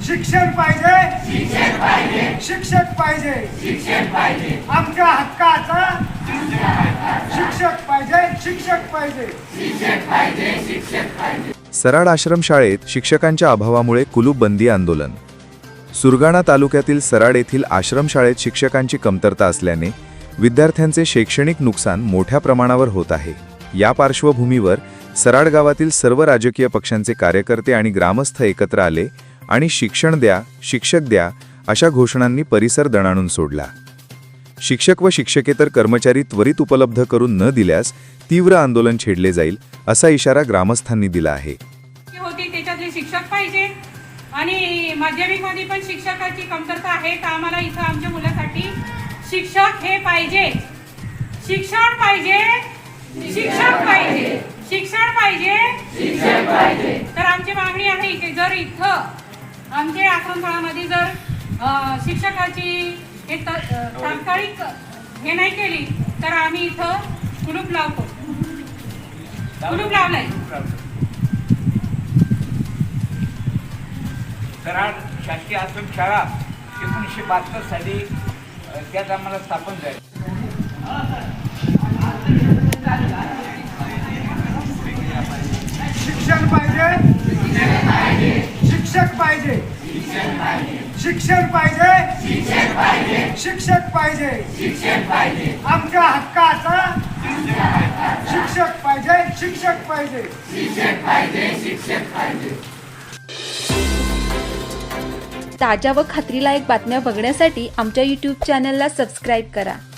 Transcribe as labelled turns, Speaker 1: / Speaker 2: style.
Speaker 1: शिक्षण पाहिजे, शिक्षक पाहिजे, आमच्या हक्काचा शिक्षक पाहिजे.
Speaker 2: सराड आश्रमशाळेत शिक्षकांच्या अभावामुळे कुलूपबंदी आंदोलन. सुरगाणा तालुक्यातील सराड येथील आश्रमशाळेत शिक्षकांची कमतरता असल्याने विद्यार्थ्यांचे शैक्षणिक नुकसान मोठ्या प्रमाणावर होत आहे. या पार्श्वभूमीवर सराड गावातील सर्व राजकीय पक्षांचे कार्यकर्ते आणि ग्रामस्थ एकत्र आले आणि शिक्षण द्या, शिक्षक द्या अशा घोषणांनी परिसर दणाणून सोडला. शिक्षक व शिक्षकेतर कर्मचारी त्वरित उपलब्ध करून न दिल्यास तीव्र आंदोलन छेडले जाईल असा इशारा ग्रामस्थांनी दिला आहे.
Speaker 3: होती त्याच्यातले शिक्षक पाहिजे आणि माध्यमिकमध्ये पण शिक्षकाची कमतरता आहे. तर आम्हाला इथं आमच्या मुलासाठी शिक्षक हे पाहिजे. शिक्षण पाहिजे, शिक्षक पाहिजे, शिक्षण पाहिजे. तर आमची मागणी आहे की जर इथं आमच्या आश्रमशाळामध्ये जर शिक्षकाची एक तात्कालिक हे नाही केली तर आम्ही इथं कुलूप लावतो. कुलूप लावलंय.
Speaker 4: सराड शासकीय आश्रमशाळा 1972 साली त्यात आम्हाला स्थापन झाली.
Speaker 1: शिक्षण पाहिजे, शिक्षक पाहिजे, शिक्षण पाहिजे, शिक्षक पाहिजे, आमच्या हक्काचा शिक्षक पाहिजे.
Speaker 5: ताज्या व खात्रीलायक बातम्या बघण्यासाठी आमच्या YouTube चॅनलला सबस्क्राईब करा.